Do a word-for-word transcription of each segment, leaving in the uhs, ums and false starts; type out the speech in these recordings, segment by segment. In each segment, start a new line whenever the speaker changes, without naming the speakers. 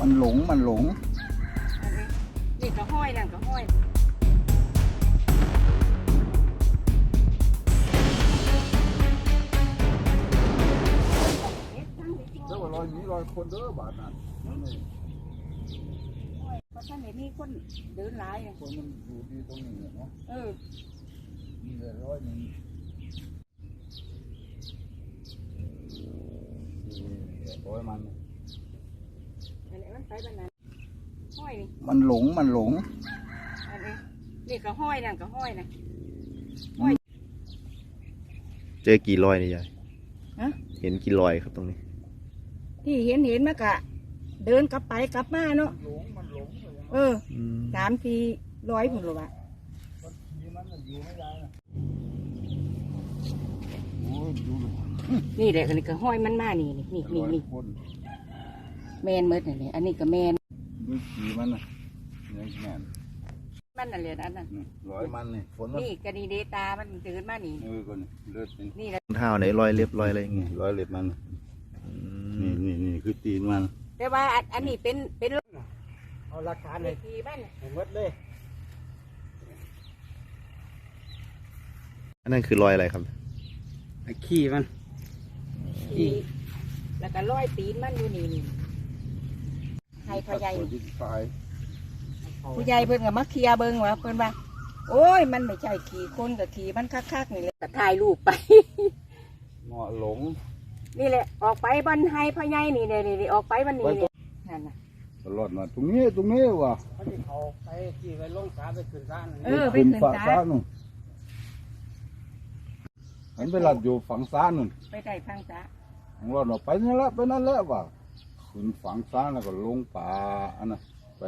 มันหลงมันหลง
นี่ก็ห้อยนั่นก็ห้อย
แล้วว่ารอยนี้รอยคนเด้อบาดนั้น
เพราะท่านเห็นมีคนเดินหลาย
คนมันอยู่ดีตรงนี้เนาะ
เออ
มีแต่ร้อยหนึ่งร้อยมัน
อะไรมันไปแบบนั้นห้อยนี่
มันหลงมันหลง
อะไรนี่ก็ห้อยนั่นก็ห้อยนะ
เจอกี่รอยเนี่ยยาย
ฮะ
เห็นกี่รอยครับตรงนี้
ที่เห็นเห็นมากะเดินกลับไปกลับมาเนาะ
หลงมันหลง
เออสามทีร้อยผุนหรอวะนี่แหละอันนี้ก็ห้อยมันมานี่นี่นี่นี่นี่แมนเมดนี่อันนี้ก็แมน
ดูขี่มันนะยังแม่น
มันอะไรนั่นน่ะ
ร้อยมันนี่ฝน
นี่กระดีเดตามันเดินมานี่
เออคนเลือด
นี่แหละ
เท้าไหนรอยเล็บรอยอะไรอย่างเงี้ย
ร้อยเล็บมันนี่นี่นี่คือตีนมัน
แต่ว่าอันนี้เป็นเป็น
เอาหลักฐานเลย
ขี่มัน
หมดเลย
อันนั้นคือรอยอะไรครับ
ไอ้ขี้มัน
ขี่แล้วก็ร้อยตีนมันอยู่นี่นี่ให้พ่อใหญ่ผู้ใหญ่เพิ่นกับมักเคียเบิ้งว่าเพิ่นว่าโอ้ยมันไม่ใช่ขี่คนกับขี่มันคักๆนี่เลยก็ถ่ายรูปไป
เงาะหลง
นี่แหละออกไปบันไฮพ่อใหญ่นี่เลยนี่ออกไปบันนี้นี่นั่นน่ะ
ตลอดมาตรงนี้ตรงนี้ว่ะ
เขาจะเอาไปขี่ไปลงสาไปขึ้นศาล
เออไปขึ้นศาล
นู่นเห็นไปหลับอยู่ฝั่งศาลนู่น
ไปได้ฝั่งศาล
ของเราเราไปนั่นแหละไปนั่นแหละว่ะขึ้นฝั่งศาลแล้วก็ลงป่าอันนั้นไป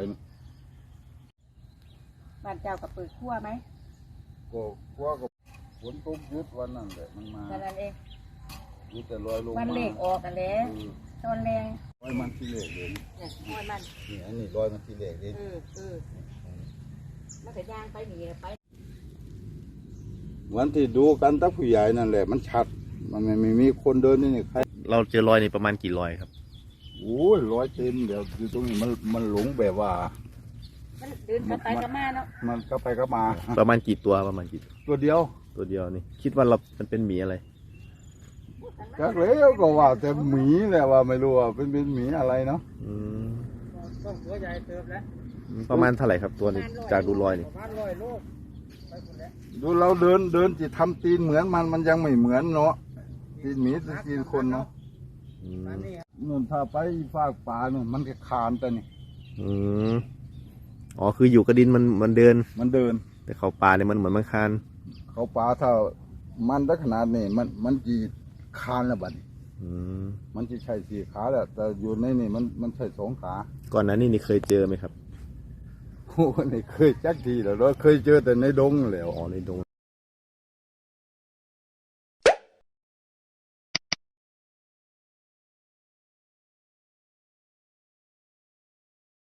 บ้านเจ้ากับเปิดขั้วไหม
ก็กลัวก็ฝนตกยุดวันนั้นแหละมันมา
แต่นั้นเอง
ยุดแต่ลอยลง
มันเล็กออกกันแล้วตอนแรง
ลอยมันที่เล็กเลย
เนี่ยห้อยมัน
นี่อันนี้ลอยมันที่เล็กเลย
เออเออมันจะย่างไปหนีไป
เหมือนที่ดูกันตั้งผู้ใหญ่นั่นแหละมันชัดมันไม่ไม่มีคนเดินนี่ใคร
เราเจอรอยนี่ประมาณกี่รอยครับ
โอ้ยรอยเต็มเดี๋ยวอยู่ตรงนี้มันมันหลงแบบว่า
มันเดินกลับไปกลับมาเนาะ
มันก็ไปก็มา
ประมาณกี่ตัวประมาณกี่
ตัวเดียว
ตัวเดียวนี่คิดว่าเรามันเป็นหมีอะไร
จักแล้วก็ว่าแต่หมีแหละว่าไม่รู้ว่าเป็นเป็นหมีอะไรเนาะ
ต้องตัวใหญ่เติมแล้ว
ประมาณเท่าไหร่ครับตัวนี้จากดูรอยนี่
ประมาณร้อยโล
ดูเราเดินเดินจะทำตีนเหมือนมันมันยังไม่เหมือนเนาะตีนหมีตีนคนเนาะนู่นถ้าไปฟากป่าเนี่ยมันจะคานแต่นี่
อืมอ๋อคืออยู่กระดินมันมันเดิน
มันเดิน
แต่เขาป่าเนี่ยมันเหมือนมันคาน
เขาป่าถ้ามันได้ขนาดนี้มันมันจีคานแล้วบัดมันจะใช่สี่ขาแหละแต่อยู่ในนี่มันมันใช่สองขา
ก่อนหน้านี้นี่เคยเจอไหมครับ
โอ้ไม่เคยจักทีแล้วเราเคยเจอแต่ในดงแล้ว
อ๋อในดง